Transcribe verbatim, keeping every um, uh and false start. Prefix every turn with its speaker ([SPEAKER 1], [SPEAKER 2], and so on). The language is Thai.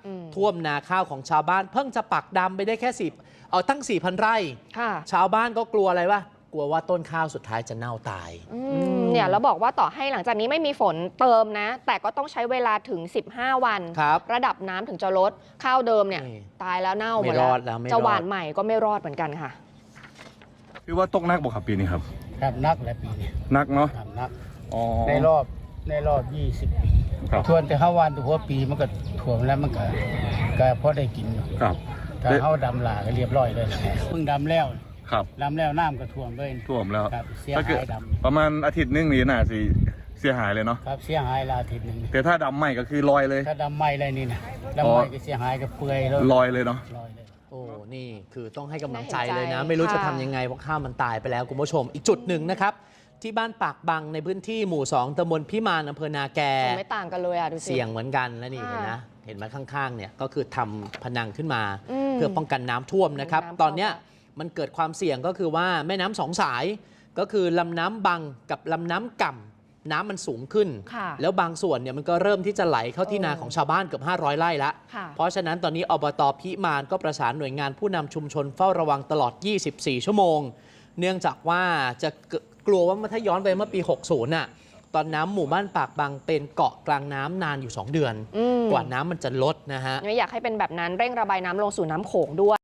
[SPEAKER 1] ท่วมนาข้าวของชาวบ้านเพิ่งจะปักดำไปได้แค่สิบเอาตั้ง สี่พัน ไร่ชาวบ้านก็กลัวอะไรวะกลัวว่าต้นข้าวสุดท้ายจะเน่าตาย
[SPEAKER 2] เนี่ยแล้วบอกว่าต่อให้หลังจากนี้ไม่มีฝนเติมนะแต่ก็ต้องใช้เวลาถึงสิบห้าวันระดับน้ำถึงจะลดข้าวเดิมเนี่ยตายแล้วเน่าหมดแล้วจะหว่านใหม่ก็ไม่รอดเหมือนกันค่ะ
[SPEAKER 3] คือว่าตกนักบ่ครับปีนี้ครับ
[SPEAKER 4] ครับนักและปีนี้
[SPEAKER 3] นักเนาะ
[SPEAKER 4] นักในรอบในรอบยี่สิบปีทวนแต่ห้าวันตัวหัวปีมันก็ถ่วมแล้วมันก็ก็พอได้กินอยู่
[SPEAKER 3] ครับ
[SPEAKER 4] ถ้าเขาดำลาก็เรียบร้อยเลยเพิ่งดำแล้ว
[SPEAKER 3] ครับ
[SPEAKER 4] ดำแล้วน้ำก็ท่วมเลย
[SPEAKER 3] ท่วมแล้ว
[SPEAKER 4] เสียหายดำ
[SPEAKER 3] ประมาณอาทิตย์นึงนี่น่าสิเสียหายเลยเนาะ
[SPEAKER 4] ครับเสียหายละอาทิตย์นึง
[SPEAKER 3] แต่ถ้าดำใหม่ก็คือลอยเลย
[SPEAKER 4] ถ้าดำใหม่เลยนี่นะดำใหม่ก็เสียหายก็เปื่อยเลย
[SPEAKER 3] ลอยเลยเนาะ
[SPEAKER 1] โอ้นี่คือต้องให้กำลังใจเลยนะไม่รู้จะทำยังไงเพราะข้าวมันตายไปแล้วคุณผู้ชมอีกจุดหนึ่งนะครับที่บ้านปากบังในพื้นที่หมู่สองตำบลพิมานอำเภอนาแก
[SPEAKER 2] ไม่ต่างกันเลยอ่ะดูสิ
[SPEAKER 1] เสี่ยงเหมือนกันแล้วนี่เห็นนะเห็นไหมข้างๆเนี่ยก็คือทำพนังขึ้นมาเพื่อป้องกันน้ำท่วมนะครับตอนเนี้ยมันเกิดความเสี่ยงก็คือว่าแม่น้ำสองสายก็คือลำน้ำบังกับลำน้ำก่ำน้ำมันสูงขึ้นแล้วบางส่วนเนี่ยมันก็เริ่มที่จะไหลเข้าที่นาของชาวบ้านเกือบห้าร้อยไร่ละเพราะฉะนั้นตอนนี้อบต.พิมานก็ประสานหน่วยงานผู้นำชุมชนเฝ้าระวังตลอดยี่สิบสี่ชั่วโมงเนื่องจากว่าจะกลัวว่าถ้าย้อนไปเมื่อปีหกสิบน่ะตอนน้ำหมู่บ้านปากบังเป็นเกาะกลางน้ำนานอยู่สองเดือนกว่าน้ำมันจะลดนะฮะ
[SPEAKER 2] ไม่อยากให้เป็นแบบนั้นเร่งระบายน้ำลงสู่น้ำโขงด้วย